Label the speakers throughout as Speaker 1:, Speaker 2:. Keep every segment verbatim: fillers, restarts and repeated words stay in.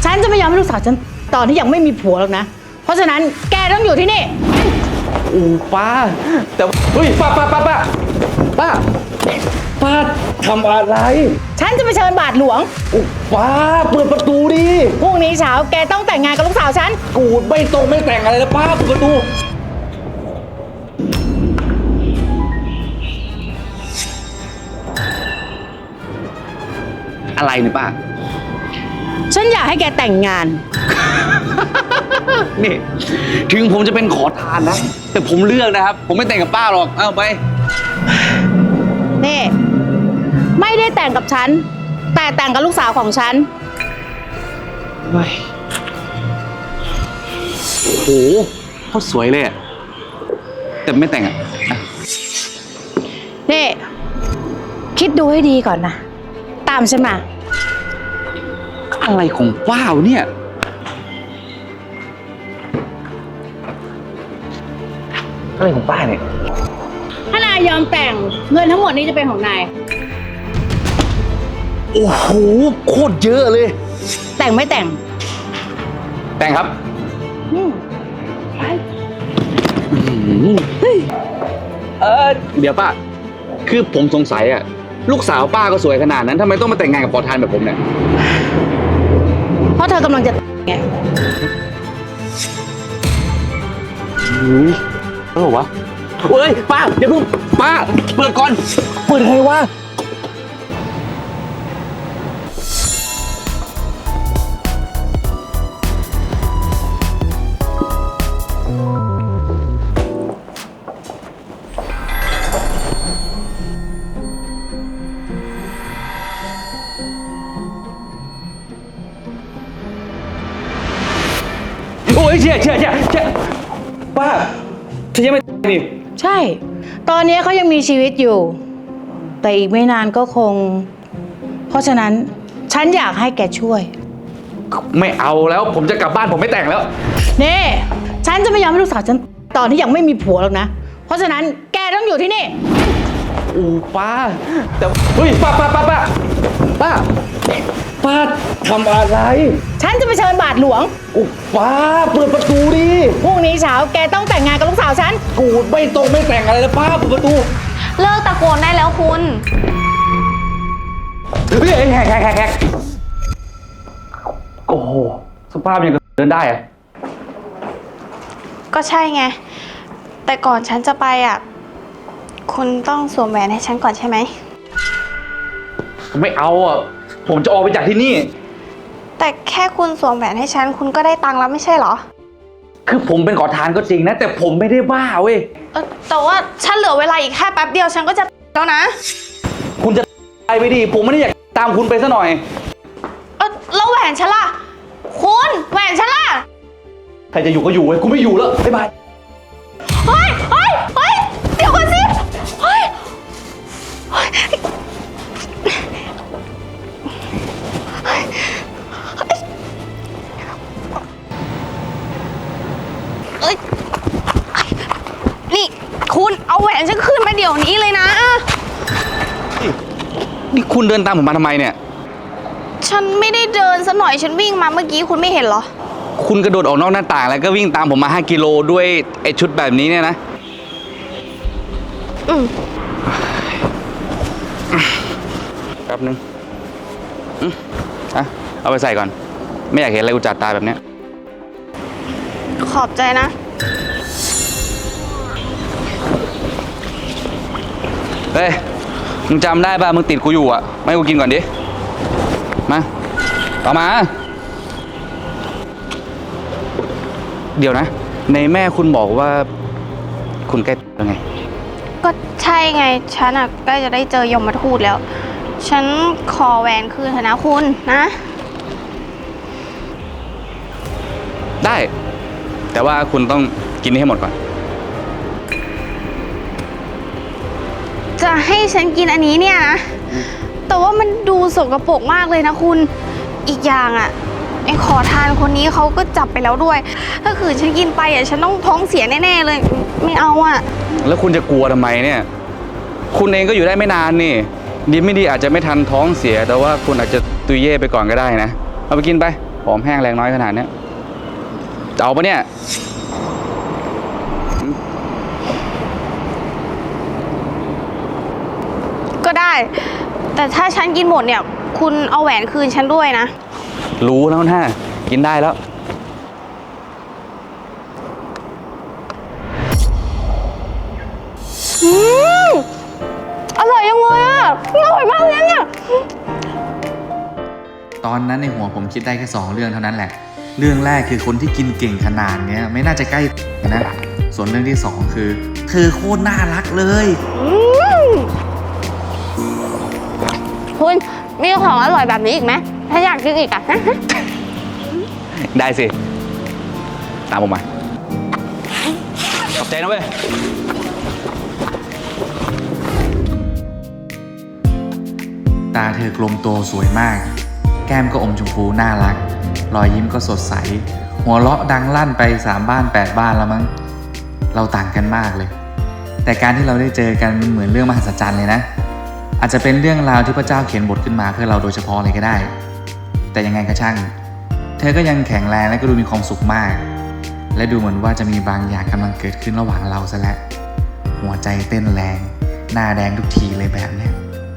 Speaker 1: ฉันจะไม่ยอมให้ลูกสาวฉันตอนที่ยังไม่มีผัวหรอกนะ เพราะฉะนั้นแกต้องอยู่ที่นี่
Speaker 2: โอ้ป้าแต่เฮ้ยป้าป้าป้าป้าป้าป้าทำอะไร
Speaker 1: ฉันจะไปเชิญบาทหลวง
Speaker 2: โอ้ป้าเปิดประตูดิ
Speaker 1: พรุ่งนี้เช้าแกต้องแต่งงานกับลูกสาวฉัน
Speaker 2: กูไม่ตรงไม่แต่งอะไรแล้วป้าเปิดประตูอะไรเนี่ยป้า
Speaker 1: ฉันอยากให้แกแต่งงาน
Speaker 2: นี่ถึงผมจะเป็นขอทานนะแต่ผมเลือกนะครับผมไม่แต่งกับป้าหรอกเอาไป
Speaker 1: นี่ไม่ได้แต่งกับฉันแต่แต่งกับลูกสาวของฉัน
Speaker 2: ไม่โหเขาสวยเลยอะแต่ไม่แต่งอะ
Speaker 1: นี่คิดดูให้ดีก่อนนะตามฉันมา
Speaker 2: อะไรของป้าวเนี่ยอะไรของป้าเนี่ย
Speaker 1: ถ้านายยอมแต่งเงินทั้งหมดนี้จะเป็นของนาย
Speaker 2: โอ้โหโคตรเยอะเลย
Speaker 1: แต่งไม่แต่ง
Speaker 2: แต่งครับ
Speaker 1: อืมไป
Speaker 2: เออเดี๋ยวป้าคือผมสงสัยอะลูกสาวป้าก็สวยขนาดนั้นทำไมต้องมาแต่งงานกับขอทานแบบผมเนี่ย
Speaker 1: เพราะเธอกำลังจะไง
Speaker 2: อุ้ยอะไรวะเฮ้ยป้าเดี๋ยวเพิ่งป้าเปิดก่อนเปิดไงวะโอ้ยเชี่ยเชี่ยเชี่ยเชี่ยป้าเธอยังไม่นี่
Speaker 1: ใช่ตอนนี้เขายังมีชีวิตอยู่แต่อีกไม่นานก็คงเพราะฉะนั้นฉันอยากให้แกช่วย
Speaker 2: ไม่เอาแล้วผมจะกลับบ้านผมไม่แต่งแล้ว
Speaker 1: นี่ฉันจะไม่ยอมให้ลูกสาวฉันตอนที่ยังไม่มีผัวหรอกนะเพราะฉะนั้นแกต้องอยู่ที่นี่
Speaker 2: โอ้ป้าแต่เฮ้ยป้าป้าป้าป้าป้าป้าทำอะไร
Speaker 1: ฉันจะไปเชิญบาทหลวง
Speaker 2: โอ้ป้าเปิดประตูดิ
Speaker 1: พรุ่งนี้เช้าแกต้องแต่งงานกับลูกสาวฉัน
Speaker 2: กูไม่ตรงไม่แต่งอะไรแล้วป้าเปิดประตู
Speaker 3: เลิกตะโกนได้แล้วคุณ
Speaker 2: เฮ้ยแหกแหกแหกแหกโอ้โหสภาพยังเดินได้อะ
Speaker 3: ก็ใช่ไงแต่ก่อนฉันจะไปอ่ะคุณต้องสวมแหวนให้ฉันก่อนใช่ไหม
Speaker 2: ไม่เอาอ่ะผมจะออกไปจากที่นี่
Speaker 3: แต่แค่คุณสวมแหวนให้ฉันคุณก็ได้ตังค์แล้วไม่ใช่เหรอ
Speaker 2: คือผมเป็นขอทานก็จริงนะแต่ผมไม่ได้บ้าเว้ย
Speaker 3: เออแต่ว่าฉันเหลือเวลาอีกแค่แป๊บเดียวฉันก็จะแล้วนะ
Speaker 2: คุณจะไปไปดิผมไม่ได้อยากตามคุณไปซะหน่อย
Speaker 3: เออแล้วแหวนฉันล่ะคุณแหวนฉันล่ะ
Speaker 2: ใครจะอยู่ก็อยู่เว้ยกูไม่อยู่แล้วบ๊ายบาย
Speaker 3: เฮ้ยเฮ้ยเฮ้ยเดี๋ยวก่อนสิเฮ้ยนี่คุณเอาแหวนฉันคืนมาเดี๋ยวนี้เลยนะ
Speaker 2: นี่คุณเดินตามผมมาทำไมเนี่ย
Speaker 3: ฉันไม่ได้เดินซะหน่อยฉันวิ่งมาเมื่อกี้คุณไม่เห็นเหรอ
Speaker 2: คุณกระโดดออกนอกหน้าต่างแล้วก็วิ่งตามผมมาห้ากิโลด้วยไอ้ชุดแบบนี้เนี่ยนะ
Speaker 3: อืม
Speaker 2: แป๊บนึงอืมอ่ะเอาไปใส่ก่อนไม่อยากเห็นอะไรอุจจาตาแบบเนี้ย
Speaker 3: ขอบใจนะ
Speaker 2: เฮ้ยมึงจำได้ป่ะมึงติดกูอยู่อ่ะไม่ให้กูกินก่อนดิมาต่อมาเดี๋ยวนะในแม่คุณบอกว่าคุณใกล้ยังไง
Speaker 3: ก็ใช่ไงฉันอ่ะใกล้จะได้เจอยมทูตแล้วฉันขอแหวนคืนเถอะนะคุณนะ
Speaker 2: ได้แต่ว่าคุณต้องกินให้หมดก่อน
Speaker 3: จะให้ฉันกินอันนี้เนี่ยนะแต่ว่ามันดูสกปรกมากเลยนะคุณอีกอย่างอ่ะไอ้ขอทานคนนี้เขาก็จับไปแล้วด้วยถ้าขืนฉันกินไปอ่ะฉันต้องท้องเสียแน่ๆเลยไม่เอาอ่ะ
Speaker 2: แล้วคุณจะกลัวทำไมเนี่ยคุณเองก็อยู่ได้ไม่นานนี่ดีไม่ดีอาจจะไม่ทันท้องเสียแต่ว่าคุณอาจจะตุยเย่ไปก่อนก็ได้นะเอาไปกินไปผอมแห้งแรงน้อยขนาดเนี้ยจะเอาปะเนี่ย
Speaker 3: ก็ได้ แต่ถ้าฉันกินหมดเนี่ย คุณเอาแหวนคืนฉันด้วยนะ
Speaker 2: รู้แล้วนะกินได้แล้ว
Speaker 3: อืมอร่อยจังเลยอ่ะอร่อยมากเลยเนี่ย
Speaker 4: ตอนนั้นในหัวผมคิดได้แค่สองเรื่องเท่านั้นแหละ เรื่องแรกคือคนที่กินเก่งขนาดเนี้ยไม่น่าจะใกล้นะ ส่วนเรื่องที่สองคือเธอโคตรน่ารักเลย
Speaker 3: อืมคุณมีของอร่อยแบบนี้อีกไหมถ้าอยากกินอีกอ่ะ
Speaker 2: ได้สิ ตามผมมาขอบใจนะเว้ย
Speaker 4: ตาเธอกลมโตสวยมาก แก้มก็อมชมพูน่ารัก รอยยิ้มก็สดใส หัวเราะดังลั่นไปสามบ้านแปดบ้านแล้วมั้ง เราต่างกันมากเลย แต่การที่เราได้เจอกันมันเหมือนเรื่องมหัศจรรย์เลยนะ อาจจะเป็นเรื่องราวที่พระเจ้าเขียนบทขึ้นมาเพื่อเราโดยเฉพาะเลยก็ได้ แต่ยังไงก็ช่าง เธอก็ยังแข็งแรงและก็ดูมีความสุขมาก และดูเหมือนว่าจะมีบางอย่างกำลังเกิดขึ้นระหว่างเราซะแล้ว หัวใจเต้นแรง หน้าแดงทุกทีเลยแบบเนี้ย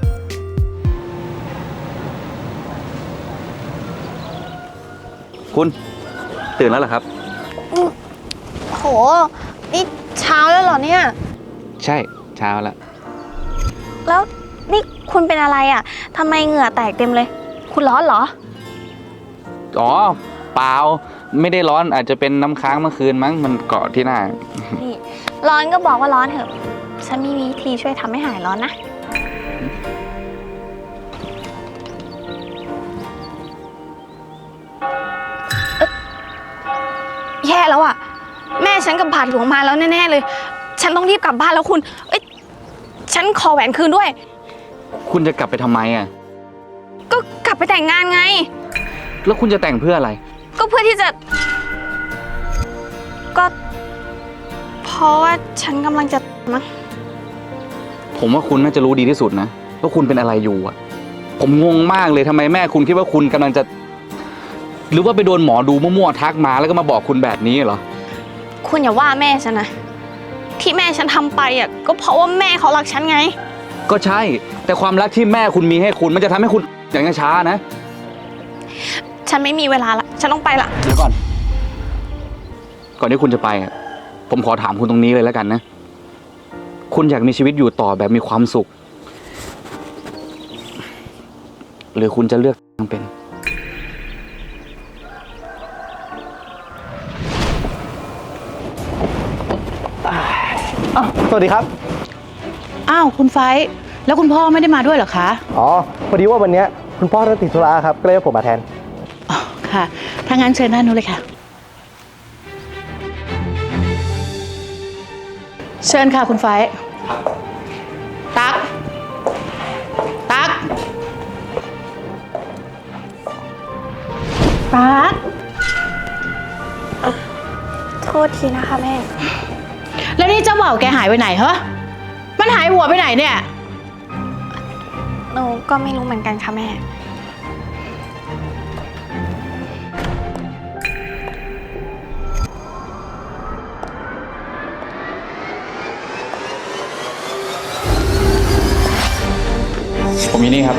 Speaker 2: คุณตื่นแล้วเหรอครับ
Speaker 3: โห นี่เช้าแล้วเหรอเนี่ย
Speaker 2: ใช่เช้าแล้ว
Speaker 3: แล้วนี่คุณเป็นอะไรอ่ะทำไมเหงื่อแตกเต็มเลย คุณร้อนเหรอ
Speaker 2: อ๋อ เปล่า ไม่ได้ร้อนอาจจะเป็นน้ำค้างเมื่อคืนมั้งมันเกาะที่หน้า
Speaker 3: นี่ ร้อนก็บอกว่าร้อนเถอะ ฉันมีวิธีช่วยทำให้หายร้อนนะ แย่แล้วอ่ะ แม่ฉันกับบาทหลวงมาแล้วแน่ๆเลย ฉันต้องรีบกลับบ้านแล้วคุณ เอ้ย ฉันขอแหวนคืนด้วย
Speaker 2: คุณจะกลับไปทำไมอ่ะ
Speaker 3: ก็กลับไปแต่งงานไง
Speaker 2: แล้วคุณจะแต่งเพื่ออะไร
Speaker 3: ก็เพื่อที่จะ ก็ เพราะว่าฉันกำลังจะมั้ง
Speaker 2: ผมว่าคุณน่าจะรู้ดีที่สุดนะว่าคุณเป็นอะไรอยู่อ่ะ ผมงงมากเลยทำไมแม่คุณคิดว่าคุณกำลังจะ หรือว่าไปโดนหมอดูมั่วๆทักมาแล้วก็มาบอกคุณแบบนี้เหรอ
Speaker 3: คุณอย่าว่าแม่ฉันนะ ที่แม่ฉันทำไปอ่ะก็เพราะว่าแม่เขารักฉันไง
Speaker 2: ก็ใช่ แต่ความรักที่แม่คุณมีให้คุณมันจะทำให้คุณอย่างช้านะ
Speaker 3: ฉันไม่มีเวลาละ ฉันต้องไปละ
Speaker 2: เดี๋ยวก่อน ก่อนที่คุณจะไปอ่ะ ผมขอถามคุณตรงนี้เลยแล้วกันนะ คุณอยากมีชีวิตอยู่ต่อแบบมีความสุข หรือคุณจะเลือกเป็น
Speaker 5: สวัสดีครับ
Speaker 1: อ้าวคุณไฟท์แล้วคุณพ่อไม่ได้มาด้วยเหรอคะ
Speaker 5: อ๋อ พอดีว่าวันเนี้ยคุณพ่อท่านติดธุระครับ ก็เลยให้ผมมาแทน
Speaker 1: อ๋อค่ะถ้างั้นเชิญด้านนู้นเลยค่ะ เชิญค่ะคุณไฟท์ตั๊กตั๊กตั๊ก
Speaker 3: โทษทีนะคะแม่
Speaker 1: แล้วนี่เจ้าบ่าวแกหายไปไหนเหรอมันหายหัวไปไหนเนี่ย
Speaker 3: หนูก็ไม่รู้เหมือนกันค่ะแม่
Speaker 2: ผมมีนี่ครับ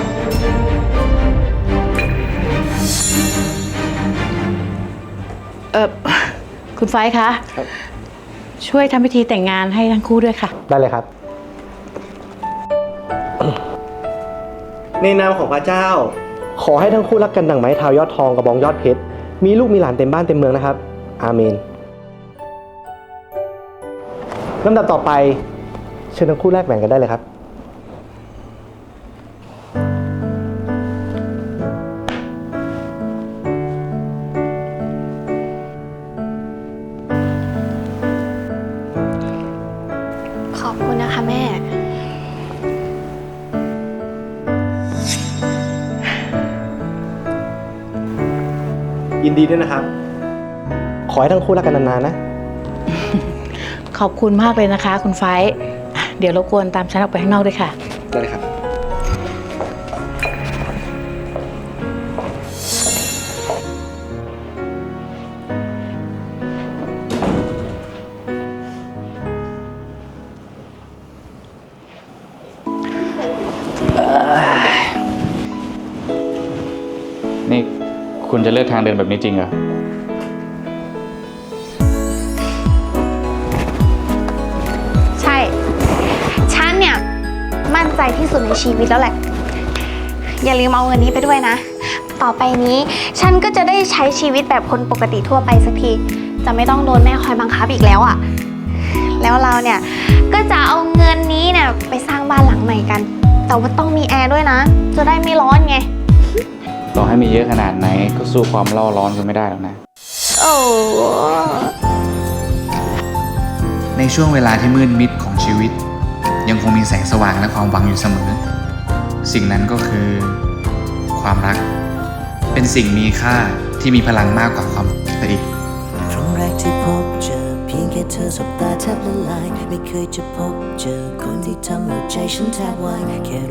Speaker 1: เออคุณไฟท์คะช่วยทำพิธีแต่งงานให้ทั้งคู่ด้วยค่ะ
Speaker 5: ได้เลยครับ ในนามของพระเจ้า ขอให้ทั้งคู่รักกันดั่งไม้เท้ายอดทองกระบองยอดเพชร มีลูกมีหลานเต็มบ้านเต็มเมืองนะครับ อาเมนลำดับต่อไป เชิญทั้งคู่แลกแหวนกันได้เลยครับ
Speaker 3: ขอบคุณนะคะแม่
Speaker 5: ยินดีด้วยนะครับ ขอให้ทั้งคู่รักกันนานๆนะ
Speaker 1: ขอบคุณมากเลยนะคะ คุณไฟท์เดี๋ยวรบกวนตามฉันออกไปข้างนอกด้วยค่ะ
Speaker 5: ได้เลยครับ
Speaker 2: นี่คุณจะเลือกทางเดินแบบนี้จริงเหรอ
Speaker 3: ใช่ ฉันเนี่ย มั่นใจที่สุดในชีวิตแล้วแหละ อย่าลืมเอาเงินนี้ไปด้วยนะ ต่อไปนี้ฉันก็จะได้ใช้ชีวิตแบบคนปกติทั่วไปสักที จะไม่ต้องโดนแม่คอยบังคับอีกแล้วอะ่ะ แล้วเราเนี่ยก็จะเอาเงินนี้เนี่ยไปสร้างบ้านหลังใหม่กัน แต่ว่าต้องมีแอร์ด้วยนะ จะได้ไม่ร้อนไง
Speaker 2: ต่อให้มีเยอะขนาดไหนก็สู้ความเล่าร้อนคุณไม่ได้หรอกนะ
Speaker 3: โอ้
Speaker 4: ในช่วงเวลาที่มืดมิดของชีวิต ยังคงมีแสงสว่างและความหวังอยู่เสมอ สิ่งนั้นก็คือความรัก เป็นสิ่งมีค่าที่มีพลังมากกว่าความไปอีก
Speaker 6: ครั้งแรกที่พบเจอเพียงแค่เธอสบตาแทบละลายไม่เคยจะพบเจอคนที่ทำหัวใจฉันแทบวายแค่